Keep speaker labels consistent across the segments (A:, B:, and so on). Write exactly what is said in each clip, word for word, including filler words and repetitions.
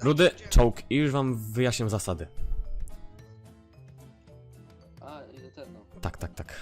A: Rudy, czołg i już wam wyjaśniam zasady.
B: A, i do ten, no.
A: Tak, tak, tak.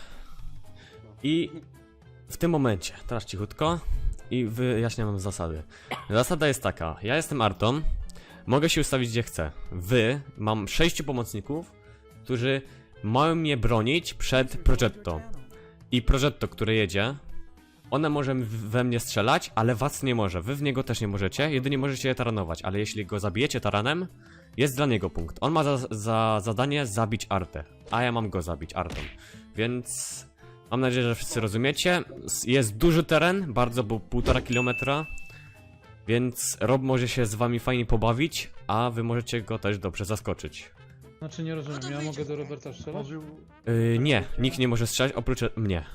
A: I w tym momencie, teraz cichutko i wyjaśniam wam zasady. Zasada jest taka, ja jestem Arton, mogę się ustawić gdzie chcę. Wy, mam sześciu pomocników, którzy mają mnie bronić przed Progetto. I Progetto, które jedzie, one może we mnie strzelać, ale was nie może. Wy w niego też nie możecie, jedynie możecie je taranować, ale jeśli go zabijecie taranem, jest dla niego punkt. On ma za, za zadanie zabić Artę, a ja mam go zabić, Arton. Więc mam nadzieję, że wszyscy rozumiecie. Jest duży teren, bardzo, bo półtora kilometra. Więc Rob może się z wami fajnie pobawić, a wy możecie go też dobrze zaskoczyć.
C: Znaczy nie rozumiem, ja mogę do Roberta strzelać?
A: Yy, nie, nikt nie może strzelać oprócz mnie.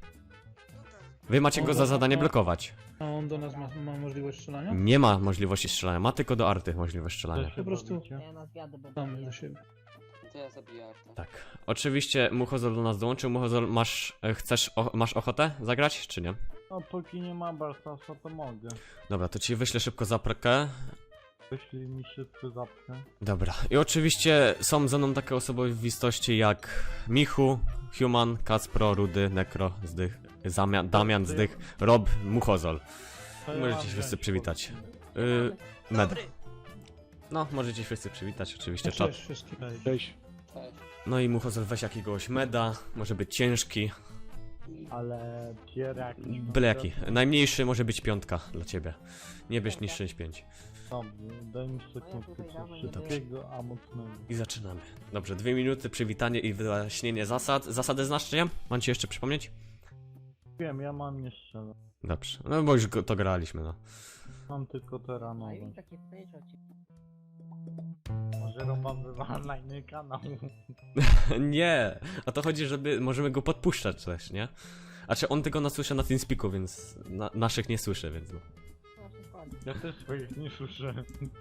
A: Wy macie go za zadanie blokować.
C: A on do nas ma, ma możliwość strzelania?
A: Nie ma możliwości strzelania, ma tylko do Arty możliwość strzelania.
C: Po prostu
D: Ja na zwiady będę
C: mamy do
D: jechał.
C: siebie.
B: To ja zabiję Arta.
A: Tak. Oczywiście Muchozol do nas dołączył. Muchozol, masz, e, chcesz, o, masz ochotę zagrać, czy nie?
E: No póki nie ma Bartasa, to mogę.
A: Dobra, to ci wyślę szybko zaprekę.
E: Jeśli mi się tu zapnę.
A: Dobra. I oczywiście są ze mną takie osobowości jak Michu, Human, Kacpro, Rudy, Nekro, Zdych, Zamia, Damian, Zdych, Rob, Muchozol.
E: To ja
A: Możecie
E: mam
A: się wszyscy
E: wziąć
A: przywitać.
E: pod-
A: Yy, med. No, możecie się wszyscy przywitać, oczywiście czat.
C: Cześć wszystkim.
E: Cześć.
B: Cześć.
A: No i Muchozol weź jakiegoś meda, może być ciężki,
E: Ale pier jakiś.
A: byle jaki. Najmniejszy może być piątka dla ciebie. Nie bierz niż sześć pięć.
E: Dobrze, daj mi sekundkę coś szybkiego, a mocnego.
A: I zaczynamy. Dobrze, dwie minuty, przywitanie i wyjaśnienie zasad. Zasady znasz, czy nie? Mam ci jeszcze przypomnieć?
E: Wiem, ja mam nie strzelę.
A: Dobrze, no bo już go, to graliśmy, no.
E: Mam tylko
D: A
E: teranowe.
D: już takie przejrzoci.
E: Może Roman wywala na inny kanał.
A: Nie, o to chodzi, żeby możemy go podpuszczać też, nie? A czy on tego nas słyszy na TeamSpeaku, więc na, naszych nie słyszy, więc no.
D: No, dokładnie.
E: Ja też swoich nie słyszę.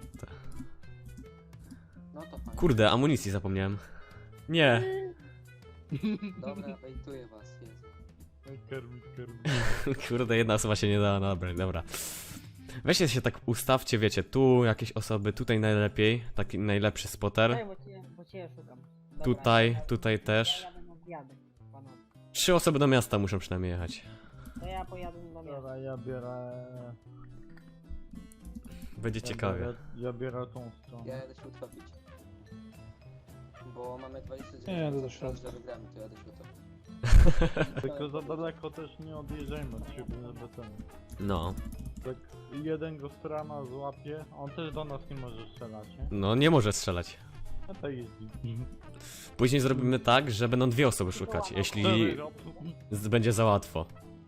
B: No to fajnie.
A: Kurde, amunicji zapomniałem. Nie.
B: Dobra, bejtuję was, jest.
E: Kermit, kermit.
A: Kurde, jedna osoba się nie dała nabrać, dobra. Weźcie się tak ustawcie, wiecie, tu jakieś osoby, tutaj najlepiej, taki najlepszy spotter.
D: Daj, bo cię, bo cię szukam. Dobra,
A: Tutaj,
D: ja-
A: tutaj też.
D: Ja jadę na zwiady, panowie.
A: Trzy osoby do miasta muszą przynajmniej jechać.
D: To ja pojadę na miasto.
E: Dobra, ja biorę...
A: Będzie
E: Ja
A: ciekawie.
E: biorę, ja biorę tą stronę.
B: Ja jadę się utopić. Bo mamy dwadzieścia dziewięć
C: Nie, jadę do
B: szans,
C: środka.
B: że wygramy, to jadę się utopić.
E: Tylko za daleko też nie odjeżdżajmy od siebie, żeby ten...
A: No,
E: Tak jeden go strana złapie, on też do nas nie może strzelać, nie?
A: no nie może strzelać.
E: A to jeździ.
A: Później zrobimy tak, że będą dwie osoby szukać, jeśli z- będzie za łatwo.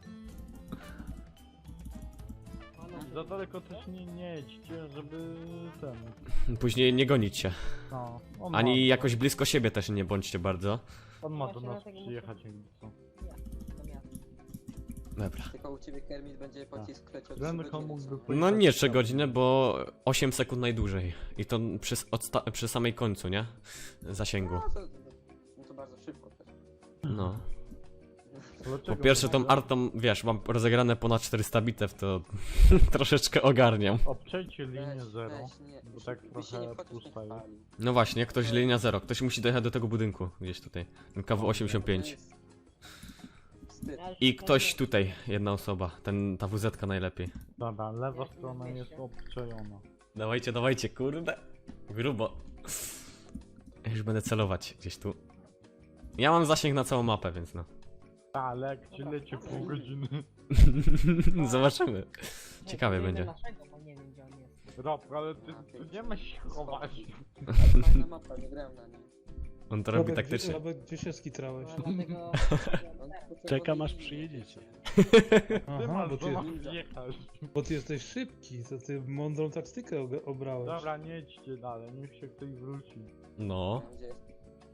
E: Za daleko też nie, nie jedźcie, żeby ten...
A: Później nie gonić się.
E: No, on
A: Ani
E: ma,
A: jakoś blisko siebie też nie bądźcie bardzo.
E: On ma do
D: Właśnie
E: nas
D: dlatego muszę-
E: przyjechać jakby co.
D: Ja, do miasta.
A: Dobra.
B: Tylko u ciebie Kermit będzie pocisk leciał trzy
E: Remko
B: godziny,
E: mógłby
B: co?
E: pojechać
A: No nie
E: tam.
A: trzy godziny, bo osiem sekund najdłużej. I to przy, odsta- przy samej końcu, nie? Zasięgu.
B: No to, no to bardzo szybko też.
A: No.
E: Dlaczego
A: Po pierwsze tą
E: Remko?
A: artą, wiesz, mam rozegrane ponad czterysta bitew, to troszeczkę ogarniam.
E: Obczajcie linię
B: Weź,
E: zero,
B: weź, nie.
E: bo tak
B: Byś się nie
E: trochę
B: wchodzisz, nie
E: pusta jest.
B: chwali.
A: No właśnie, ktoś linia zero. Ktoś musi dojechać do tego budynku, gdzieś tutaj. K W osiemdziesiąt
B: To
A: pięć.
B: jest wstyd.
D: Ja już
A: I
D: tutaj
A: ktoś
D: nie-
A: tutaj, jedna osoba. Ten, ta W Z najlepiej.
E: Dobra, lewa
D: Jak
E: strona
D: nie
E: jest
D: wyjście?
E: obczajona.
A: Dawajcie, dawajcie, kurde. Grubo. Ja już będę celować gdzieś tu. Ja mam zasięg na całą mapę, więc no.
E: Ta, ale jak ci leci pół godziny.
A: Zobaczymy.
D: Nie,
A: Ciekawie
D: to
A: będzie.
D: Naszego, bo nie wiem gdzie on jest.
E: Rob, ale ty, ty nie masz się chować.
B: Fajna mapa, nie grałem na niej.
A: On to robi
C: Robert,
A: taktycznie.
C: Gdzie, Robert, gdzie się skitrałeś?
D: No, dlatego...
B: On potrzebował
F: Czekam aż
B: linii.
F: przyjedziecie.
E: Ty
C: Aha,
E: masz
C: bo
E: do
C: ty,
E: nas wjechać.
C: bo ty jesteś szybki, to ty mądrą taktykę ob- obrałeś.
E: Dobra, nie jedźcie dalej, niech się ktoś wróci.
A: No.
B: Gdzie jest?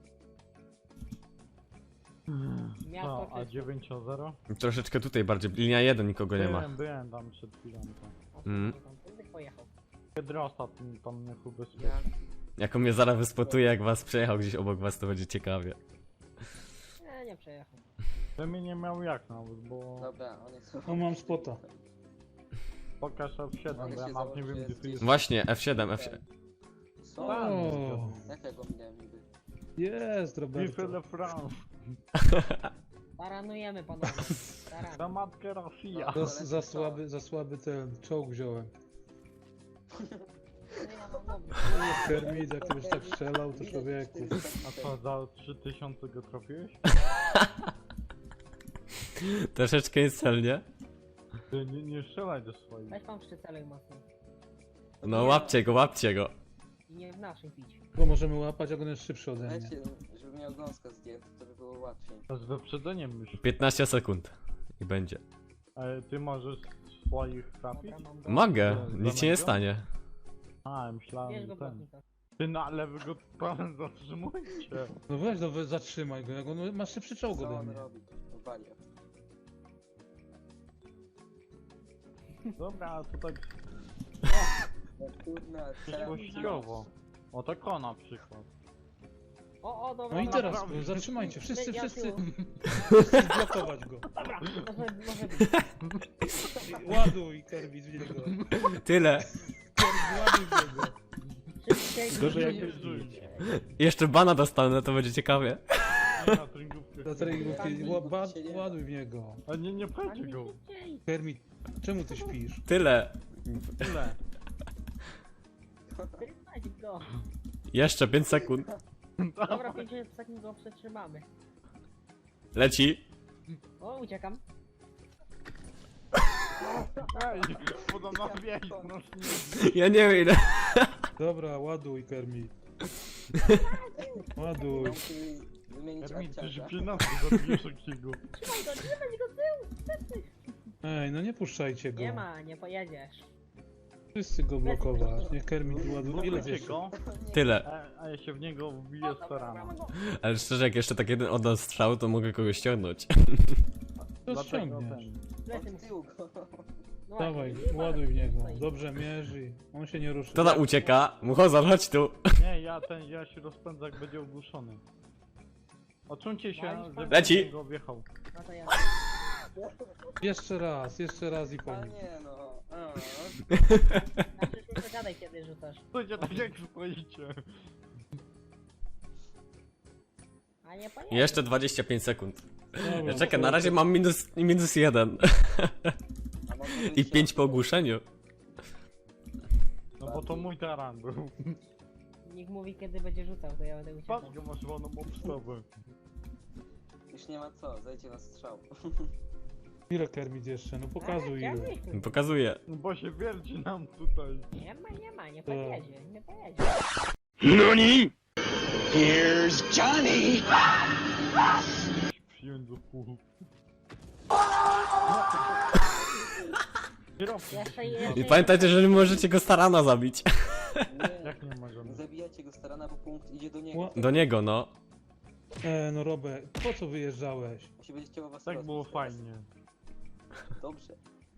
D: Miasto
E: No, a
D: czyste.
E: dziewięć zero?
A: Troszeczkę tutaj bardziej. Linia jeden nikogo nie ma.
E: Byłem, byłem tam przed chwilą. tam.
A: Mm.
D: Tędy pojechał.
E: Kiedy ostatni tam mnie ubezpieczył.
B: Ja,
A: Jak on mnie zaraz wyspotuje, jak was przejechał gdzieś obok was, to będzie ciekawie.
D: Nie, nie przejechał.
E: To mi nie miał jak nawet, bo...
B: dobra, on jest...
C: O, mam spota.
E: Pokaż F siedem,
B: Mogę
E: bo ja
B: się
E: nawet nie
B: założyć,
E: wiem
B: że
E: gdzie
B: jest
E: tu jest.
A: Właśnie, F siedem, F siedem.
B: Co?
C: O,
B: Jak ja go minąłem niby?
C: jest,
E: Vive
C: Roberto.
E: le France.
D: Taranujemy panowie. Taran.
E: Za matkę Rosja.
C: Za, za, słaby, za słaby ten czołg wziąłem.
D: No ja mam dobry.
C: Kermit, jak ty byś tak strzelał, to
B: Widać
C: człowieku.
B: czterysta
E: A co, za trzy tysiące go trafiłeś?
A: Troszeczkę niecelnie.
E: Ty nie, nie strzelaj do swoich.
D: Weź pan szczycelek mocniej.
A: No łapcie go, łapcie go.
D: I nie w naszym pić.
C: Bo możemy łapać, jak on jest szybszy ode mnie.
B: Wiecie, żeby miał gąska zdjęty, to by było łatwiej.
E: To z wyprzedzeniem już.
A: piętnaście sekund. I będzie.
E: Ale ty możesz swoich trafić?
D: Dobra, mam go.
A: Mogę,
E: Za
A: nic się nie
E: mego?
A: stanie.
E: A,
D: Bierz
E: myślałem,
D: go
E: że ten.
D: błotnika.
E: Ty no ale wy go pan zatrzymujcie.
C: No weź, no we- zatrzymaj go, jak on ma szybszy czołg
B: Co
C: ode
B: on
C: mnie.
B: robi? Wariat.
E: Dobra, to tak
B: No kurna,
E: przyszłościowo. O tak o na przykład.
D: O, o, dobra.
C: No i
D: dobra.
C: teraz,
E: naprawdę.
C: no, zatrzymajcie, wszyscy,
D: Ja
C: wszyscy.
D: tyłu.
C: Wszyscy zblokować go.
D: Dobra, może, może być.
C: Ładuj, Kermit, w niego.
A: Tyle.
C: Kermit, ładuj w niego.
D: Szybciej,
C: Gorzej jak
D: szybciej.
E: żyjcie.
A: Jeszcze bana dostanę, to będzie ciekawie.
E: Nie na tringówkę.
C: Do treningówki, ła- ba- ładuj w niego.
E: A nie, nie
D: Pan
E: pchajcie
D: mi
E: go.
D: szybciej.
C: Kermit, czemu ty śpisz?
A: Tyle.
E: Tyle.
D: Trzymać go.
A: Jeszcze pięć sekund.
D: Dobra, pięćdziesiąt sekund go przetrzymamy.
A: Leci.
D: O, uciekam.
E: Ej, podobno wieś, proszę nie.
A: Ja nie wiem ile.
C: Dobra, ładuj, Kermit. Ładuj.
B: No, musimy wymienić
E: Ermin, ty się
B: akciarza.
E: przynosi, zabijesz takiego.
D: Trzymaj go, trzymaj go tył.
C: Ej, no nie puszczajcie go.
D: Nie ma, nie pojedziesz.
C: Wszyscy go blokować. Niech Kermit ładuje. Ile
E: Blokujcie
C: wiesz?
E: go,
A: Tyle.
E: a, a ja się w niego wbiję
D: O, dobra,
E: starano.
D: mamy go.
A: Ale szczerze, jak jeszcze tak jeden oddał strzał, to mogę kogoś ściągnąć.
C: To
E: Dlatego
C: ściągniesz.
E: ten.
D: Plecy mu.
B: Od tyłu go.
D: No
C: Dawaj,
D: właśnie,
C: ładuj w niego.
D: stoi.
C: Dobrze mierzy. On się nie ruszy.
A: Kto tam ucieka? Muchozor, chodź tu.
E: Nie, ja ten, ja się rozpędzę jak będzie ogłuszony. Odsuńcie się,
D: Walisz pan?
E: żeby
A: Leci.
E: go wjechał.
D: No to ja.
C: Jeszcze raz, jeszcze raz i po
B: A
C: nim.
B: nie no. A.
D: Znaczy, nie zagadaj kiedy rzucasz.
E: Stójcie tak jak stoicie.
D: A nie pojedziesz.
A: Jeszcze dwadzieścia pięć sekund.
C: Dobra,
A: Ja czekaj, na razie mam minus, minus jeden.
B: A może
A: I
B: być
A: pięć
B: jak-
A: po ogłuszeniu.
E: No bo to mój taran był.
D: Nikt mówi kiedy będzie rzucał, to ja będę uciekał.
E: Patrz go, masz wolną obstawę.
B: Już nie ma co, zejdzie na strzał.
C: Ile Kermit jeszcze? No pokazuj
D: A,
C: ile.
D: chciałem
A: Pokazuję.
E: No bo się wierci nam tutaj.
D: Nie ma, nie ma, nie
C: To-
D: pojedzie, nie pojedzie.
F: NANI?! Here's Johnny!
E: Przyjąć do pół. Kierowcy.
D: Jeszcze,
A: I
D: jeszcze,
A: pamiętajcie, że nie możecie go starana zabić.
B: Nie,
E: Jak nie możemy?
B: zabijacie go starana, bo punkt idzie do niego.
C: Ła-
A: Do niego, no.
C: E, no Robert, po co wyjeżdżałeś?
B: Musi będzie chciało was
E: Tak
B: rozbić
E: było
B: teraz.
E: fajnie.
B: Dobrze.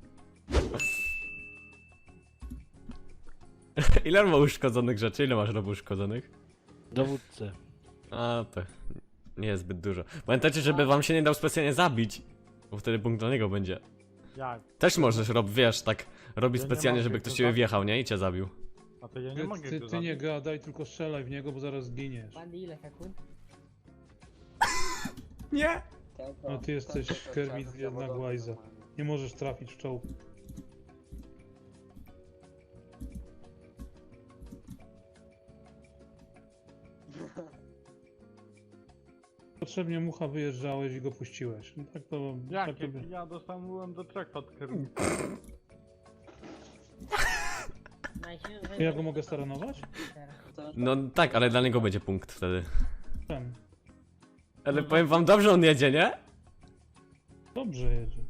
A: Ile ma uszkodzonych rzeczy? Ile masz robu uszkodzonych?
G: Dowódcę.
A: A, to nie jest zbyt dużo. Pamiętajcie, żeby wam się nie dał specjalnie zabić. Bo wtedy punkt dla niego będzie.
E: Jak?
A: Też możesz, Rob, wiesz, tak robić
E: Ja nie
A: specjalnie,
E: mogę
A: żeby
E: go
A: ktoś ciebie
E: zabić.
A: wjechał, nie? I cię zabił.
E: A to ja nie
C: Ty,
E: mogę
C: ty,
E: go
C: ty nie
E: zabić.
C: gadaj, tylko strzelaj w niego, bo zaraz zginiesz.
D: Bandy ile sekund?
A: Nie!
B: Ten,
C: No ty jesteś,
B: ten, ten,
C: Kermit,
B: ten, ten,
C: jedna
B: zawodowy
C: głajza.
B: normalnie.
C: Nie możesz trafić w czołg. Potrzebnie mucha wyjeżdżałeś i go puściłeś. No tak to...
E: Jak?
C: tak to
E: Jak
C: by-
E: ja dostałem do trek od Kermit.
D: Najsilniejszy-
C: Ja go mogę staranować?
B: To-
A: No tak, ale dla niego będzie punkt wtedy.
C: Czemu?
A: Ale powiem wam, dobrze on jedzie, nie?
C: Dobrze jedzie.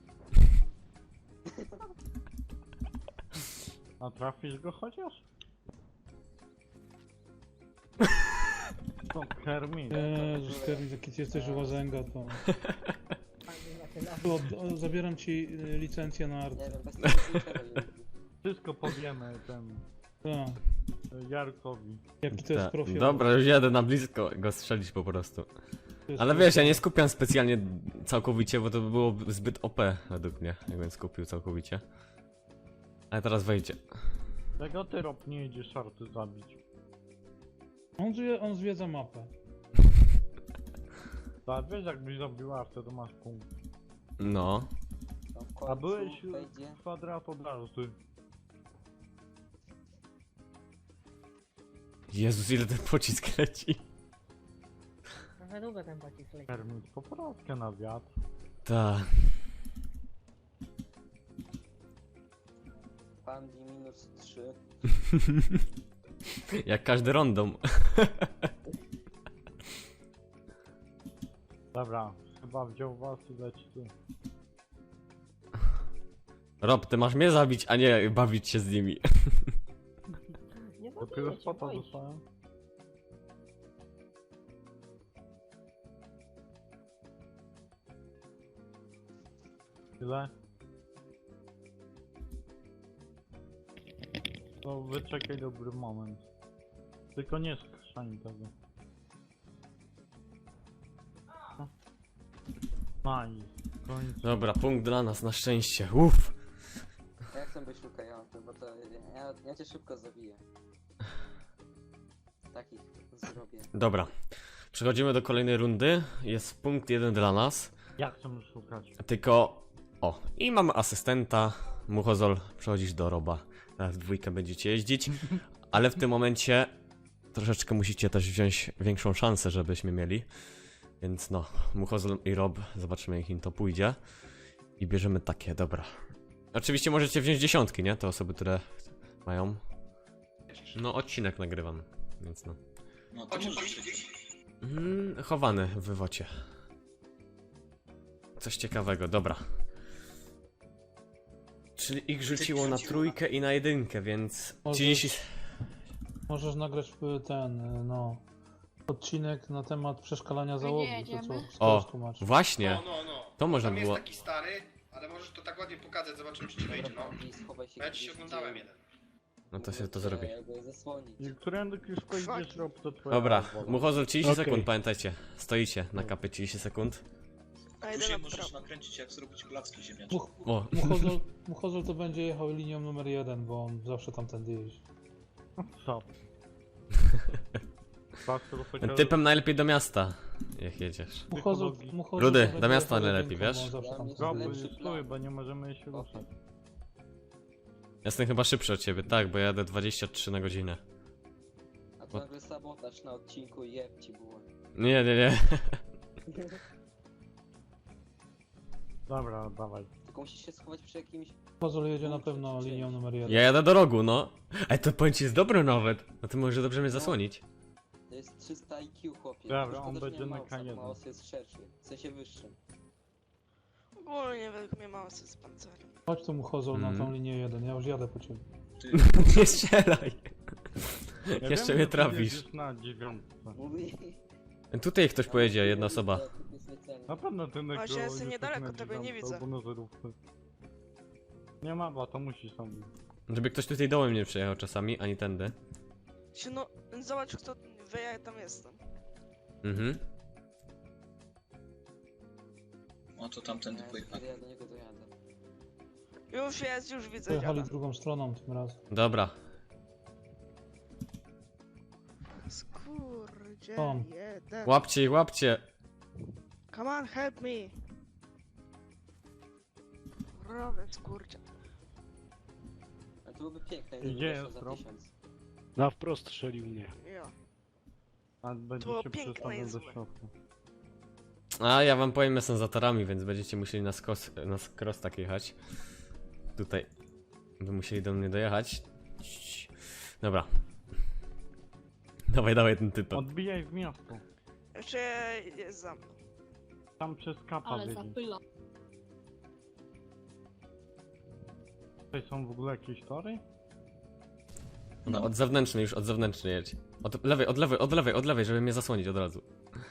E: A trafisz go chociaż? To Kermit.
C: Jezus, Kermit, jaki ty jesteś łazęga, to...
D: Bandy na tyle.
C: to od, o, zabieram ci y, licencję na art.
B: Nie wiem, bez tego niczego nie lubi.
E: Wszystko powiemy ten
C: Tak,
E: Jarkowi.
C: jaki to jest
A: Ta-
C: profil.
A: Dobra, już jadę na blisko go strzelić po prostu.
C: To jest
A: Ale
C: profil.
A: wiesz, ja nie skupiam specjalnie całkowicie, bo to by było zbyt O P według mnie, jakbym skupił całkowicie. Ale teraz wejdzie.
E: Czego ty Rob nie idziesz szarty zabić?
C: On, zwie, on zwiedza mapę.
E: Tak, wiesz jakbyś zabiła, wtedy masz punkt.
A: No.
B: No w
E: A
B: końcu
E: byłeś
B: wejdzie.
E: kwadrat od razu, ty.
A: Jezus, ile ten pocisk leci.
D: Trochę długo ten pocisk leci.
E: Termin, poprawkę na wiatr.
A: Ta.
B: Pandi minus trzy.
A: Jak każdy random.
E: Dobra, chyba wziął was i leci ty.
A: Rob, ty masz mnie zabić, a nie bawić się z nimi.
D: Nie
E: Dopiero
D: zabiję cię,
E: spota
D: boisz.
E: dostałem. Ile? To wyczekaj dobry moment. Tylko nie skrzani tego. Nice. W końcu.
A: Dobra, punkt dla nas, na szczęście. Uff.
B: A jak sobie szukający, bo to ja, ja cię szybko zabiję. Takich zrobię.
A: Dobra. Przechodzimy do kolejnej rundy. Jest punkt jeden dla nas.
E: Jak chcę szukać?
A: Tylko... O, i mamy asystenta. Muchozol, przechodzisz do Roba. Teraz w dwójkę będziecie jeździć. Ale w tym momencie troszeczkę musicie też wziąć większą szansę, żebyśmy mieli. Więc no, Muchozol i Rob, zobaczymy jak im to pójdzie. I bierzemy takie, dobra. Oczywiście możecie wziąć dziesiątki, nie? Te osoby, które mają. No, odcinek nagrywam, więc no.
G: No to możesz.
A: Mm, chowany w wywocie. Coś ciekawego, dobra. Czyli ich rzuciło na trójkę i na jedynkę, więc...
C: Może-
A: trzydzieści...
C: Możesz nagrać y, ten, y, no... Odcinek na temat przeszkalania załogi, to co
H: jedziemy?
C: skoro
A: O,
C: tłumaczysz.
A: właśnie,
H: No, no, no.
A: to można
H: Tam
A: było...
H: jest taki stary, ale możesz to tak ładnie pokazać, zobaczymy czy ci wyjdzie, no.
B: Pandi, schowaj się
H: Bo ja ci
B: gdzieś,
H: się oglądałem
B: gdzie-
H: jeden.
A: No to się to zrobi.
B: Ja go zasłonić.
E: I którędy Kiszko idziesz, rob to twoja
A: Dobra,
E: wola.
A: Muchozol trzydzieści
E: Okej.
A: sekund, pamiętajcie. Stoicie na kapie trzydzieści sekund.
G: A Później możesz nakręcić jak zrobić klocki ziemniaczne.
C: Much,
A: O,
C: Muchozol, Muchozol to będzie jechał linią numer jeden, bo on zawsze tamtędy jeździ.
E: Co? Tak, to chociaż-
A: typem najlepiej do miasta, jak jedziesz.
C: Muchozol,
E: Psychologii.
C: Muchozol
A: Rudy,
C: to będzie
A: do miasta
C: jechał
A: najlepiej,
C: jedynką,
A: wiesz?
C: bo on zawsze
B: Dla
C: tam
B: mnie
C: stoi.
E: Rob,
B: Lepszy
E: stój,
B: plan.
E: bo nie możemy się ruszać.
A: Jestem chyba szybszy od ciebie, tak, bo ja jadę dwadzieścia trzy na godzinę.
B: A to nagle sabotaż na odcinku i jeb ci było.
A: Nie, nie, nie.
E: Dobra, dawaj.
B: Tylko musisz się schować przy jakimś...
C: Muchozol jedzie na pewno linią numer jeden.
A: Ja jadę do rogu, no. Ej, to powiem ci jest dobre nawet. No to może dobrze mnie zasłonić.
B: To jest trzysta I Q, chłopie.
E: Dobra,
B: Szkoda,
E: on
B: że
E: będzie
B: nie
E: na
B: ma
E: K jeden.
B: Maus jest szerszy, w sensie wyższym.
I: Ogólnie według mnie mało z pancerem.
C: Chodź tu Muchozol na
A: Mhm.
C: tą linię jeden, ja już jadę po ciebie.
G: Ty,
A: Nie strzelaj.
E: Ja
A: Jeszcze
E: wiem,
A: mnie
E: że ty
A: trafisz.
E: jedziesz na dziewiątce.
B: Mówi...
A: Tutaj ktoś pojedzie, jedna osoba.
E: Na pewno ty na
I: Właśnie jestem niedaleko, tego nie widzę.
E: Albo na zerówce. Nie ma, bo to musi sam być.
A: Żeby ktoś tutaj dołem nie przejechał czasami, ani tędy.
I: Się no, zobacz kto wie, ja tam jestem.
A: Mhm.
G: no to tamtędy
B: Ja,
G: pojechali.
B: ja do niego dojadę.
I: Już jest, już widzę
C: Pojechali
I: dziada.
C: drugą stroną tym razem.
A: Dobra.
I: Skurdzie,
C: Tom.
I: jeden.
A: Łapcie ich, łapcie.
I: Come on, help me. Robię skurdzie.
B: Ale to byłoby piękne,
E: Gdzie
B: gdyby weszło
E: jest
B: za
E: Rob?
B: tysiąc.
J: Na wprost strzelił mnie.
I: Ja.
E: A będzie
I: było
E: się
I: piękne
E: przestawiał
I: i
E: do
I: złe.
E: środka.
A: A ja wam powiem, jestem za torami, więc będziecie musieli na, skos, na cross tak jechać. Tutaj. By musieli do mnie dojechać. Cii. Dobra. Dawaj, dawaj ten typ.
E: Odbijaj w miasto.
I: Jeszcze jest za mną.
E: Tam przez kapa
H: Ale
E: biegnie.
H: zapyla.
E: Tutaj są w ogóle jakieś tory?
A: No, od zewnętrznej już, od zewnętrznej jedź. Od lewej, od lewej, od lewej, od lewej, żeby mnie zasłonić od razu.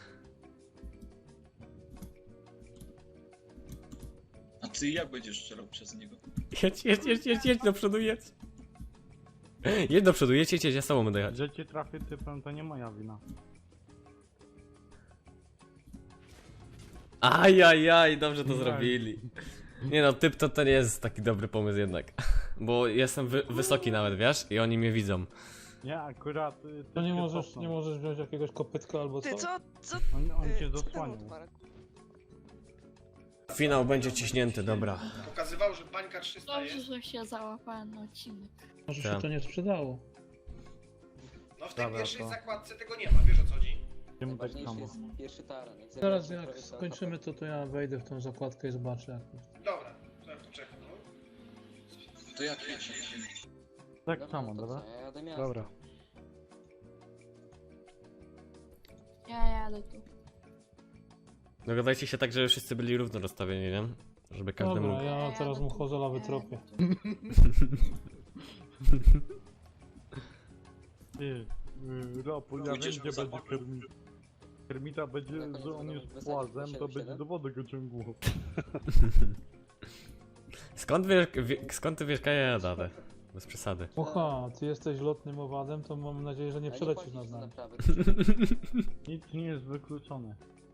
G: A ty jak będziesz strzelał przez niego?
A: Jedź, jedź, jedź, jedź, jedź do przodu, jedź. Jedź do przodu, jedź, jedź, jedź, ja z tobą będę jechać.
E: Że cię trafię typem, to nie moja wina.
A: Ajajaj, dobrze to
E: Nie.
A: zrobili. Nie no, typ to, to nie jest taki dobry pomysł jednak. Bo jestem wy wysoki nawet, wiesz? I oni mnie widzą.
E: Nie, akurat... y,
C: To nie
E: ty się
C: możesz,
E: cofnął.
C: nie możesz wziąć jakiegoś kopytka albo
I: Ty
C: co?
I: co? Co?
E: On, on
I: y,
E: cię
I: co ten
E: zasłaniał.
I: odparek?
A: Finał będzie ciśnięty, dobra.
H: Pokazywał, że bańka trzysta
K: Dobrze,
H: jest.
K: że się załapałem na odcinek.
C: Może
A: Tak.
C: się to nie sprzedało.
H: No w tej
E: Dobra,
H: pierwszej
E: to-
H: zakładce tego nie ma, wiesz o co chodzi?
E: Idziemy tak
B: Najważniejszy
E: samo.
B: jest pierwszy taran. Jak
C: Teraz
B: zabijesz
C: jak
B: prawie to-
C: skończymy to, to ja wejdę w tą zakładkę i zobaczę jak to jest.
H: Dobra, to ja poczekam. No.
G: To jak jedzie?
E: Tak
B: Dobra,
E: samo,
B: to
E: dobra?
B: co, ja jadę miasto.
J: Dobra.
K: Ja jadę tu.
A: Dogadajcie się tak, żeby wszyscy byli równo rozstawieni, nie? Żeby każdy
C: Dobra,
A: mógł.
C: ja teraz mu chozola wytropię.
E: Ty, y, Rapol, ja wiem
G: Pójdziesz
E: gdzie
G: mu za
E: będzie
G: boku.
E: Kermit. Kermita będzie,
B: Na koniec
E: że on
B: będą
E: jest
B: wysadzić
E: płazem, to
B: po
E: będzie
B: siedem
E: do wody go ciągło.
A: Skąd wiesz, wie, skąd ty wiesz, ja jadę? Bez przesady.
C: Oha, ty jesteś lotnym owadem, to mam nadzieję, że nie
B: A
C: przelecisz
B: płacisz
C: nad
B: za
C: nami.
B: naprawy.
E: Nic nie jest wykluczone.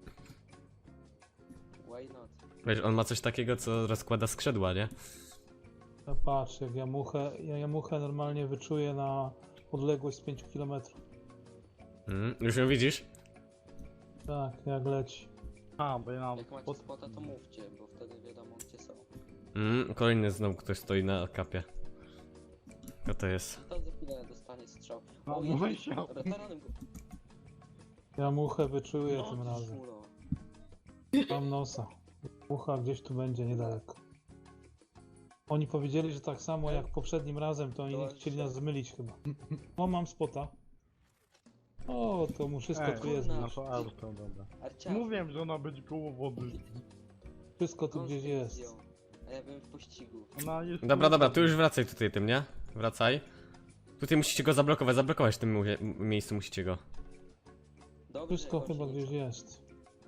B: Why not?
A: Wiesz, on ma coś takiego, co rozkłada skrzydła, nie?
C: A patrz, jak ja muchę, ja, ja muchę normalnie wyczuję na odległość z pięciu kilometrów.
A: Mm, już ją widzisz?
C: Tak, jak leci.
E: A, bo ja mam
B: Jak macie
E: pod...
B: spota, to mówcie, bo wtedy wiadomo gdzie są.
A: Mm, kolejny znowu ktoś stoi na kapie. Kto to jest?
B: To za chwilę dostanie strzał.
E: No,
B: O,
E: mówię
B: jedzie,
E: się.
B: dobra, taranem go.
C: Ja muchę wyczuję
B: No,
C: tym razem.
B: szmulo.
C: Mam nosa. Mucha gdzieś tu będzie niedaleko. Oni powiedzieli, że tak samo jak poprzednim razem, to oni nie chcieli nas zmylić chyba. O, mam spota. O, to mu wszystko
E: Ej,
C: tu jest.
B: kurna.
C: już.
E: Na to auto, dobra.
B: Arciarz.
E: Mówiłem, że ona będzie koło wody.
C: Wszystko tu gdzieś
B: Gąskę
C: jest.
B: zdjął. A ja byłem w pościgu.
E: Ona jest...
A: Dobra, dobra, tu już wracaj tutaj tym, nie? Wracaj. Tutaj musicie go zablokować, zablokować w tym mu- miejscu musicie go.
B: Dobrze,
C: Wszystko
B: chodź,
C: chyba
B: nie
C: gdzieś
B: co.
C: jest.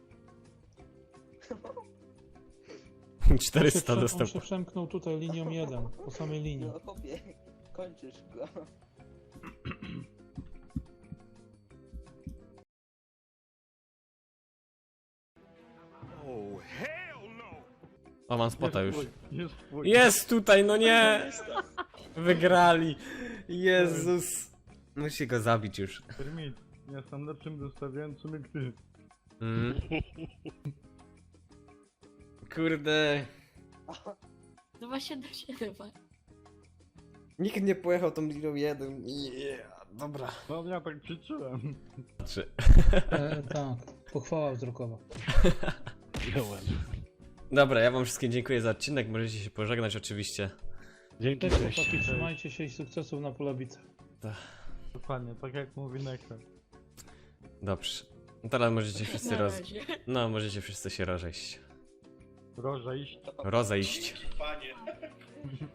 A: czterysta
C: on się,
A: dostępu.
C: on się przemknął tutaj linią jeden, po samej linii.
B: No chłopie, kończysz go.
A: O, mam spota już.
E: Jest twój, jest twój.
A: Jest tutaj, no nie! Wygrali. Jezus. Musi go zabić już.
E: Kermit, jestem lepszym dostawiającym jak ty.
A: Mm. Kurde.
K: dwa siedem siedem.
A: Nikt nie pojechał tą liną jeden. Yeah, dobra.
E: No ja tak przyczyłem.
A: Trzy.
C: E, tak, pochwała wzrokowa.
J: Wziąłem.
A: Dobra, ja wam wszystkim dziękuję za odcinek. Możecie się pożegnać oczywiście.
J: Dzięki,
C: Cześć
J: cześć.
C: chłopaki, trzymajcie się i sukcesów na polabicach.
E: Dokładnie, tak jak mówi Neker.
A: Dobrze. Teraz możecie wszyscy
K: Na
A: roz...
K: razie.
A: No, możecie wszyscy się rozejść.
E: Proszę iść.
A: Rozejść.
H: Dzięki, panie.